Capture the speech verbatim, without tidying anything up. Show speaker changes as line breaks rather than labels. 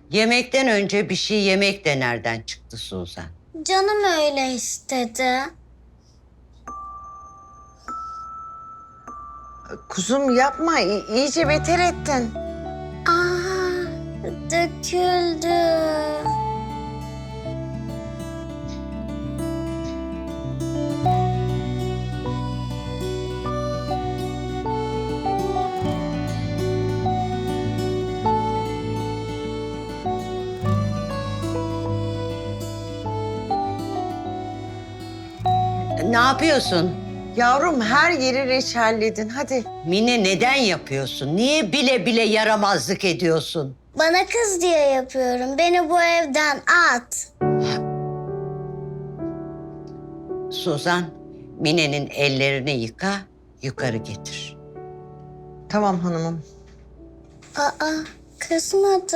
Yemekten önce bir şey yemek de nereden çıktı Suzan?
Canım öyle istedi.
Kuzum yapma, i- iyice beter ettin.
Aa, döküldü.
Ne yapıyorsun?
Yavrum her yeri reçelledin, hadi.
Mine neden yapıyorsun? Niye bile bile yaramazlık ediyorsun?
Bana kız diye yapıyorum. Beni bu evden at.
Suzan, Mine'nin ellerini yıka, yukarı getir.
Tamam hanımım.
Aa, kızmadı.